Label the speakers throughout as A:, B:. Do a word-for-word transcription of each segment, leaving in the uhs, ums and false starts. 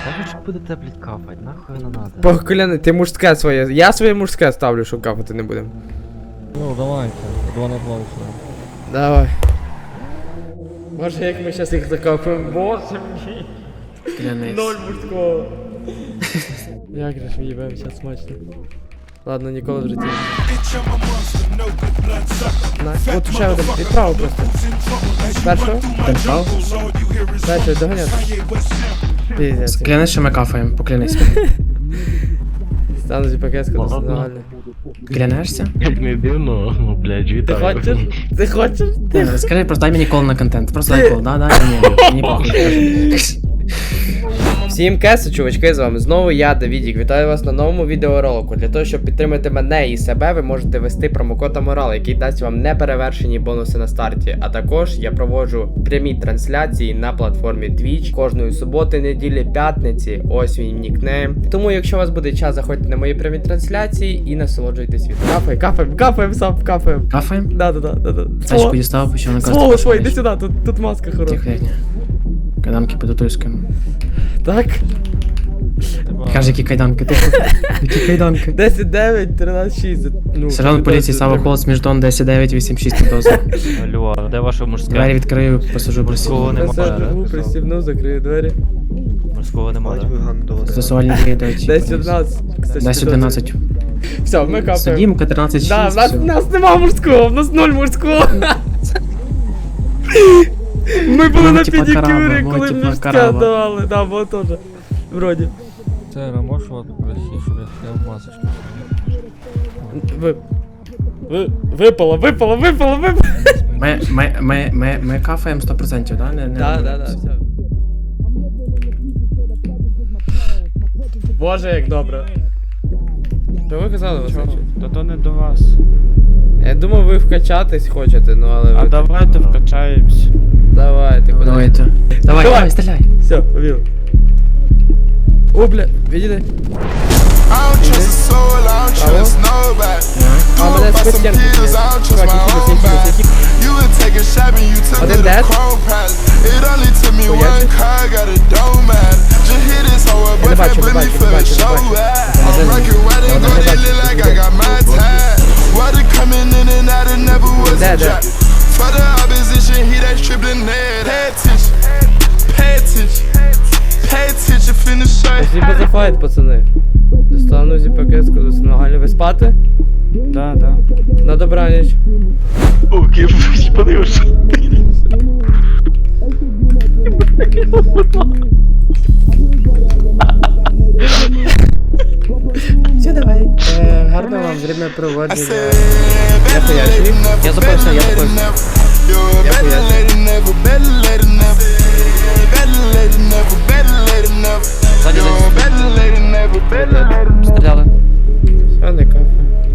A: Та ви ж будете, блядь, капать, нахуй не надо.
B: Покляни, ти мужське своє. Я своє мужське ставлю, що капати не будемо.
C: Ну, давайте, два на два устроим.
B: Давай. Боже, як ми зараз їх закапаємо. Боже мій.
D: Клянись.
B: Ноль мужського. Як же ж ми їбемо зараз смачно. Ладно, ніколи в житті. На, от ще один, відправо просто. Першого?
D: Першого?
B: Першого, доганяти. Піздець.
D: Клянись, що ми кафаємо, поклянись.
B: Стану зі пакетську, це нормально.
D: Клянешся?
A: Блядь, ми б'ємо, ну, блядь,
B: Ти
A: вітаю.
B: хочеш? Ти хочеш? Ти
D: Ні, скажи, просто дай мені кол на контент. Просто дай кол, да, да, ні, ні, мені похуй.
B: Всім кеси, чувачки, з вами знову я, Давідік. Вітаю вас на новому відеоролику. Для того, щоб підтримати мене і себе, ви можете ввести промокод Аморал, який дасть вам неперевершені бонуси на старті. А також я проводжу прямі трансляції на платформі Twitch кожної суботи, неділі, п'ятниці. Ось мій нікнейм. Тому, якщо у вас буде час, заходьте на мої прямі трансляції і насолоджуйтесь від. Кафаємо, кафаємо, кафаємо, сам, кафаємо.
D: Кафаємо?
B: Да, да, да, да, да.
D: Тачку дістав, почав наказувати.
B: Свого, свого, іди сюди, тут, тут маска хороша.
D: Тихо, тихо. Кайданки по-татуйському.
B: Так.
D: Каже, які кайданки, тихо. Які кайданки.
B: десять дев'ять, тринадцять шість. Ну,
D: Сержант поліції Сава Холос, Міждон, десять дев'ять вісім шість підозра.
A: Алло, а де ваше мужське?
D: Двері відкрию, посажу
A: Мужського
D: просів.
A: нема.
B: Несе другу, пристібну, закрию двері.
A: Мужського нема, да?
D: Застосувальні дії дають.
B: десять одинадцять.
D: десять одинадцять.
B: Все, ми капаємо.
D: Судімка тринадцять
B: Да, в
D: шість.
B: нас, в нас нема мужського, в нас ноль мужського. Ми були
D: Ну,
B: на
D: типа
B: педикюрі,
D: караба, ну,
B: коли
D: типа
B: мужське
D: караба.
B: давали. Да, було теж. Вроді.
C: Сера, можешь вот попросить, чтобы я снял масочку?
B: Ви... Ви... Випало, випало, випало, випало.
D: Ми, ми, ми, ми, ми кафаємо сто відсотків, да? Не, не
B: Да, да, да, все. Боже, як добре. Що ви казали, Васильчик?
E: Та то не до вас.
B: Я думав, ви вкачатись хочете, ну але ви...
E: А давайте вкачаємось.
B: Давайте, куди?
D: Давайте. Давай,
B: Давай.
D: давай, стріляй.
B: Все, побіг. О, бля, відійди. А, мене з постінки. Чувак, які які які. Один дед. Поясни. Я не бачу, не бачу, не бачу, не бачу. Один. Не бачу. Де, де? Спасибо за файт, пацани. Достану зі пакетську, нагально. Ви спати?
E: Да, да.
B: На добраніч.
A: О, кипиш, подивишся.
B: Все, давай. Е, гарно вам время проводження. Я поясню. Я запрошую, я запрошую. Я поясню. Ззаді десь. Стріляли. Все, не кафе.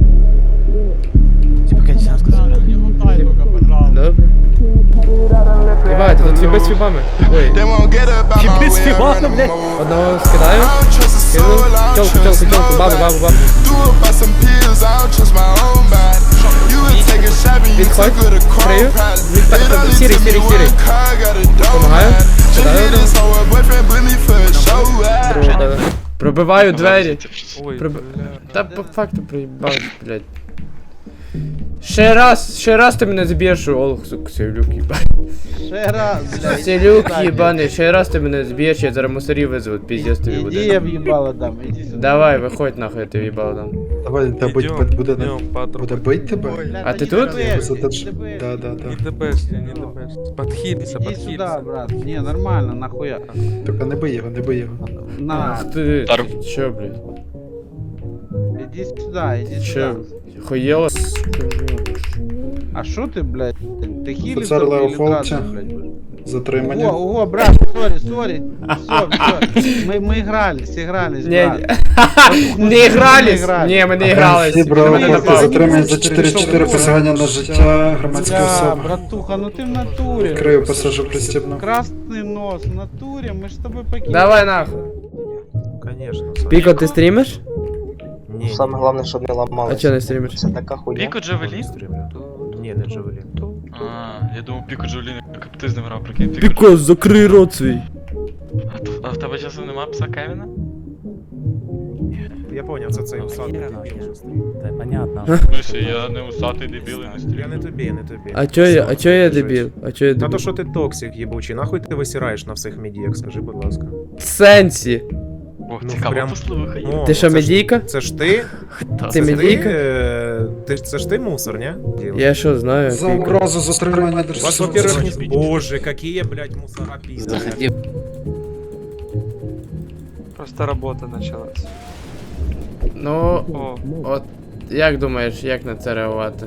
B: Добре. Ебать, тут фіби з фібами. Ой. Фіби з фібами, блядь. Одного скидаю. Кину. Тілку, тілку, тілку. Бабу, бабу, бабу. Відходь. Крию. Сірий, сірий, сірий. Помагаю. Кидаю. Другого дали. Пробиваю двері. Проб... Та по факту проїбав, блядь. Ще раз, ще раз ти мене зб'єш, Олег, сука, Селюк, їбаний.
F: Ще раз, блядь.
B: Селюк, їбаний, ще раз ти мене зб'єш, я зараз мусорів визву, піздець тобі
F: Іди, я
B: буде.
F: в'їбало дам, іди сюди.
B: Давай, виходь нахуй, я тобі їбало дам.
G: Давай, та будь, будь, буде, буде бить тебе?
F: Бля,
B: А
F: та
B: ти
F: не
B: тут?
F: дебеш,
G: Задаж-
F: не дебеш.
G: Да, да, да.
C: Не дебешься, не дебешься. Подхилься,
F: Іди
C: подхилься.
F: сюди, брат. Ні, нормально, нахуя.
G: Тільки не бий його, не бий його.
F: На,
B: Ах ти, чо, блядь?
F: іди сюди, іди
B: Чо?
F: сюди.
B: Хуєло?
F: А що ти, блядь? Ти хілиш
G: Офіцер
F: там
G: Лео
F: или
G: Фолча.
F: драться, блядь?
G: Затримання.
F: Ого, ого, брат, сорі, сорі. Все, все. Мы, мы игрались, игрались,
B: Не,
F: брат.
B: не игрались? Не, ми не игрались.
G: Всі
B: Ти
G: браво,
B: мене
G: хлопці,
B: напав.
G: затримання за чотири чотири посягання на життя громадської
F: Бля,
G: особи.
F: братуха, ну ты в натуре.
G: Крию пасажу пристібну.
F: Красный нос, в натуре, мы ж с тобой покинули.
B: Давай нахуй.
A: Конечно.
B: Піко, ти стрімиш?
A: Ні.
H: Саме головне, щоб не
B: А
H: ламалося.
B: чо не стрімиш?
H: Це така хуйня.
I: Піко Джавелін?
A: Ні, не Джавелін.
I: А, я думав Піко Джавелін, як ти з ним грав, прикинь.
B: Піко, закрий рот свій.
I: А, то- а в тебе
H: тебе часом нема пса Кевіна?
A: Я поняв, це цей усатий дебіл, що стоїть.
C: Та понятно.
H: Миші, я не усатий дебіл і не
A: Я
H: стрімлю.
A: не тобі, не тобі.
B: А чо я, а чо я
A: Все,
B: дебіл? А чо я
A: Та то,
B: дебіл?
A: що ти токсик їбучий, нахуй ти висираєш на всіх медіях, скажи, будь ласка.
B: В сенсі?
H: Ох,
A: Ну,
H: цікаво
A: прям-
H: послухай.
A: О,
B: Ти що,
A: це ж-
B: медійка?
A: Це ж ти?
H: Та,
B: Ти
A: Це
B: медійка?
A: Ти, е, ти, це ж ти мусор, ні?
B: Я що знаю?
G: За
B: піка.
G: угрозу затримання
A: Вас,
G: держслужби.
A: во-первых, не... Боже, какие, блядь, мусора пиздят.
H: Просто робота почалась.
B: Ну,
H: О,
B: от як думаєш, як на це реагувати?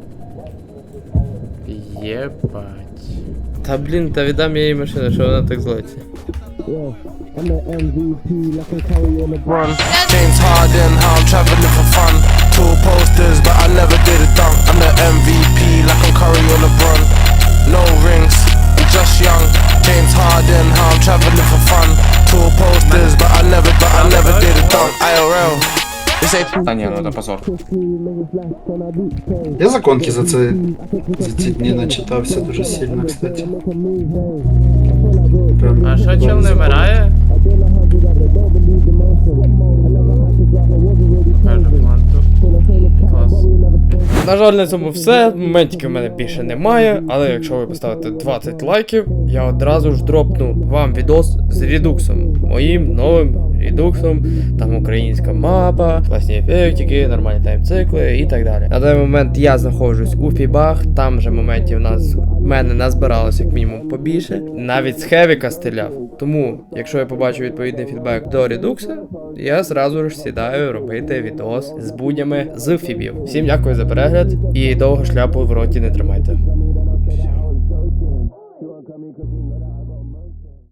B: Єбать. Та блін, та віддам я їй машину, що вона так злиться.
I: James Harden, how I'm traveling for fun. Two posters, but I never did a dunk. I'm the M V P, like I'm Curry or LeBron. No rings, I'm just young. James Harden, how I'm traveling for fun. Two posters, but I never, but I never did a dunk. I R L. This ain't
D: Та ні, ну це позор.
G: Я законки за це за ці дні начитався дуже сильно, кстати. Прям
B: А що чел не вмирає? Каже, планту. Клас. На жаль, на цьому все. Моментів в мене більше немає, але якщо ви поставите двадцять лайків, я одразу ж дропну вам відос з редуксом. Моїм новим редуксом. Там українська мапа, класні ефектики, нормальні таймцикли і так далі. На даний момент я знаходжусь у фібах, там же моментів у нас в мене назбиралось як мінімум побільше. Навіть з Хевіка стріляв. Тому, якщо я побачу відповідний фідбек до редукса, я зразу ж сідаю робити відос з буднями з фібів. Всім дякую за перегляд і довго шляпу в роті не тримайте. Все.